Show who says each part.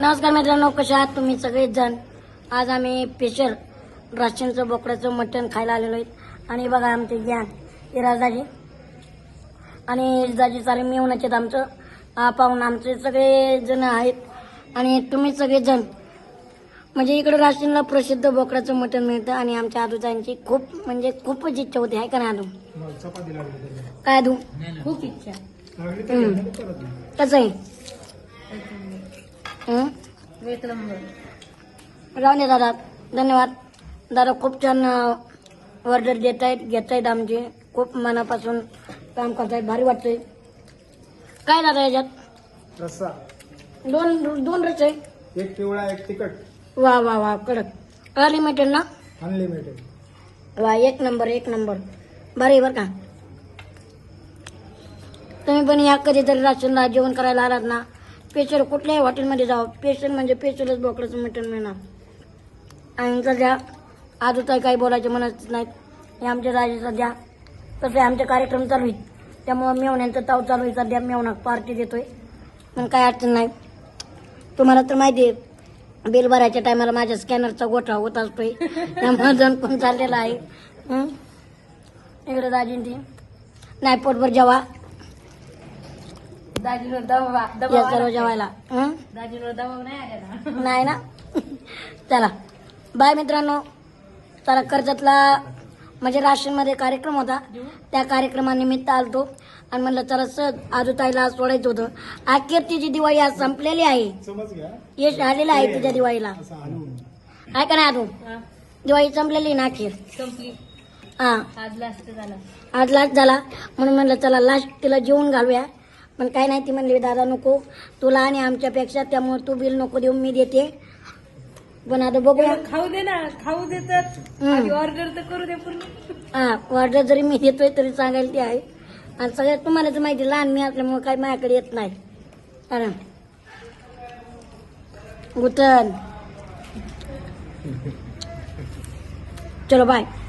Speaker 1: नमस्कार मित्रांनो, कशा आहात तुम्ही सगळेच जण. आज आम्ही स्पेशल राशनचं बोकडाचं मटण खायला आलेलो आहेत. आणि बघा आमचे ज्ञान हे राजाजी आणि जाजी सारे मिळवण्याचे आमचं पाहून आमचे सगळे जण आहेत. आणि तुम्ही सगळेजण म्हणजे इकडे राशनला प्रसिद्ध बोकडाचं मटण मिळतं. आणि आमच्या आदूजांची खूप म्हणजे खूपच इच्छा होती आहे का नाही आदू? काय आदू?
Speaker 2: खूप इच्छा.
Speaker 1: कसं आहे?
Speaker 2: एक नंबर.
Speaker 1: राहून दे दादा, धन्यवाद दादा. खूप छान ऑर्डर देत आहेत, घेत आहेत आमचे. खूप मनापासून काम करतायत, भारी वाटतंय. काय दादा याच्यात?
Speaker 3: रस्सा
Speaker 1: दोन रस आहे.
Speaker 3: एक पिवळा एक तिखट
Speaker 1: वा वा वा, कडक अनलिमिटेड ना?
Speaker 3: अनलिमिटेड.
Speaker 1: वा, एक नंबर एक नंबर, भारी बरं का. तुम्ही पण या कधीतरी राशनला जेवण करायला आलात ना, स्पेशल कुठल्याही हॉटेलमध्ये जावं, स्पेशल म्हणजे स्पेशलच बोकडाचं मटण मिळणार. आणि सध्या आजूताई काही बोलायचे म्हणत नाहीत. हे आमच्या राजे सध्या तसे आमचे कार्यक्रम चालू आहेत, त्यामुळं मेवण्यांचं ताव चालू आहे. सध्या मेवणा पार्टी देतोय, पण काय अडचण नाही. तुम्हाला तर माहिती आहे, बिल भरायच्या टायमाला माझ्या स्कॅनरचा गोठा होत असतोय, त्यामुळे जण पण चाललेला आहे. इकडे दाजींची नाही, पोटभर जेवा
Speaker 2: दाजीवर दबाव
Speaker 1: या सर्व जेवायला.
Speaker 2: दाजीवर दबाव नाही आलेला.
Speaker 1: नाही ना. चला बाय मित्रांनो. चला, कर्जतला म्हणजे राशनमध्ये कार्यक्रम होता, त्या कार्यक्रमानिमित्त आलतो आणि म्हणलं चला सहज आजूताईला सोडायचं होतं. अखेर तिची दिवाळी आज संपलेली आहे,
Speaker 3: समज घ्या
Speaker 1: यश आलेलं आहे तिच्या दिवाळीला.
Speaker 3: असं हलवून.
Speaker 1: आहे का नाही आजू?
Speaker 2: हा,
Speaker 1: दिवाळी संपलेली ना अखेर.
Speaker 2: संपली.
Speaker 1: हा,
Speaker 2: आज लास्ट झाला.
Speaker 1: आज लास्ट झाला म्हणून म्हणलं चला लास्ट तिला जेवून घालूया. पण काय नाही, ती म्हणली दादा नको तुला आणि आमच्यापेक्षा, त्यामुळे तू बिल नको देऊ, मी देते. पण आता बघूया.
Speaker 2: खाऊ दे ना, खाऊ देतात. ऑर्डर तर करू दे पूर्ण.
Speaker 1: हा, ऑर्डर जरी मी देतोय तरी सांगायला ती आहे. आणि सगळ्यात तुम्हाला तर माहिती, लहान मी असल्यामुळे काही माझ्याकडे येत नाही. कारण गुतन. चलो बाय.